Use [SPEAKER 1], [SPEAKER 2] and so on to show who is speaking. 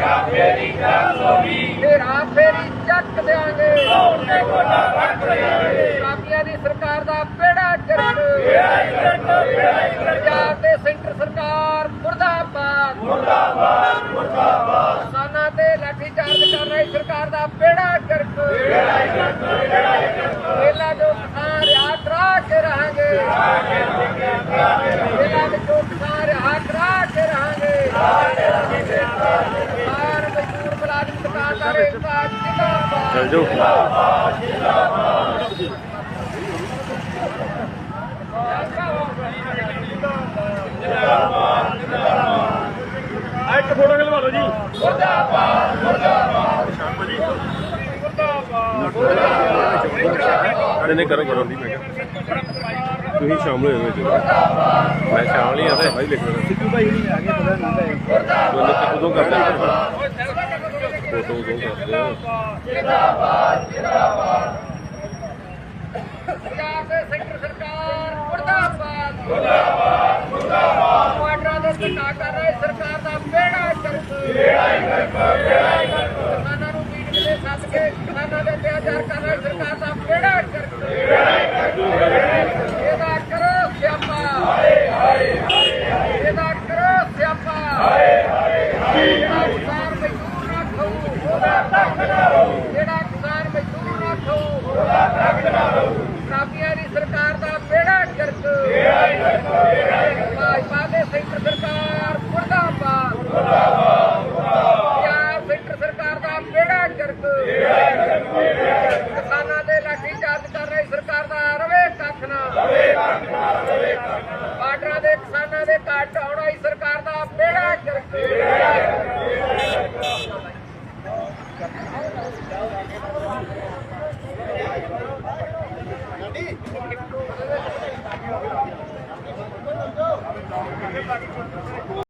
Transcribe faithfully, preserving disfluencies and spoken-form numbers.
[SPEAKER 1] फेरी चक देंगे काबिया की सरकार का बेड़ा गर्क पंजाब ते सेंटर सरकार मुर्दाबाद किसानों ते लाठी चार्ज कर रही सरकार का बेड़ा गर्क मेला जो किसान रिहा करा के रहेंगे मेला जो किसान रिहा करा के रहेंगे किसान मजदूर मुलाजिम दुकानदार एकता जिंदाबाद
[SPEAKER 2] चल जाओ एक फोटो खिलवा लो जी। मुर्दाबाद मुर्दाबाद मुर्दाबाद नहीं करो करो नहीं मैं तुम शामिल हुए मैं शामिल ही आता भाई लिख रहा सिद्धू भाई नहीं आगे पता नहीं उदों करते फोटो उदों करते
[SPEAKER 1] सेंटर सरकार मुर्दाबाद मुर्दाबाद मुर्दाबाद क्वार्टरां दे धक्का कर रहे सरकार दा बेड़ा गर्क बेड़ा गर्क बेड़ा गर्क किसानां नूं मीटिंग दे सੱਦ के किसानां दे अत्याचार कर रहे सरकार दा बेड़ा गर्क बेड़ा गर्क ਇਹਦਾ ਕਰੋ ਸਿਆਪਾ ਹਾਏ ਹਾਏ ਇਹਦਾ ਕਰੋ ਸਿਆਪਾ ਹਾਏ ਹਾਏ ਜਿਹੜਾ ਕਿਸਾਨ ਮਜ਼ਦੂਰ ਨਾ ਖਾਊ ਉਹਦਾ ਤੱਕ ਨਾ ਰਹੂ ਜਿਹੜਾ ਕਿਸਾਨ ਮਜ਼ਦੂਰ ਨਾ ਖਾਊ ਉਹਦਾ ਤੱਕ ਨਾ ਰਹੂ ਕਾਬੀਆਂ ਦੀ ਸਰਕਾਰ ਦਾ ਬੇੜਾ ਗਰਕ ਭਾਜਪਾ ਦੇ ਸੈਂਟਰ ਸਰਕਾਰ ਮੁਰਦਾਬਾਦ ਪੰਜਾਬ ਸੈਂਟਰ ਸਰਕਾਰ ਦਾ ਬੇੜਾ ਗਰਕ ਕਿਸਾਨਾਂ ਦੇ ਲਾਠੀ ਚਾਰਜ ਕਰ ਰਹੀ ਸਰਕਾਰ ਦਾ ਰਵੇ ਕੱਖ ਨਾ ਬਾਰਡਰਾਂ ਦੇ ਕਿਸਾਨਾਂ ਦੇ ਘਾਟ ਆਉਣ ਵਾਲੀ ਸਰਕਾਰ ਦਾ ਬੇੜਾ ਗਰਕ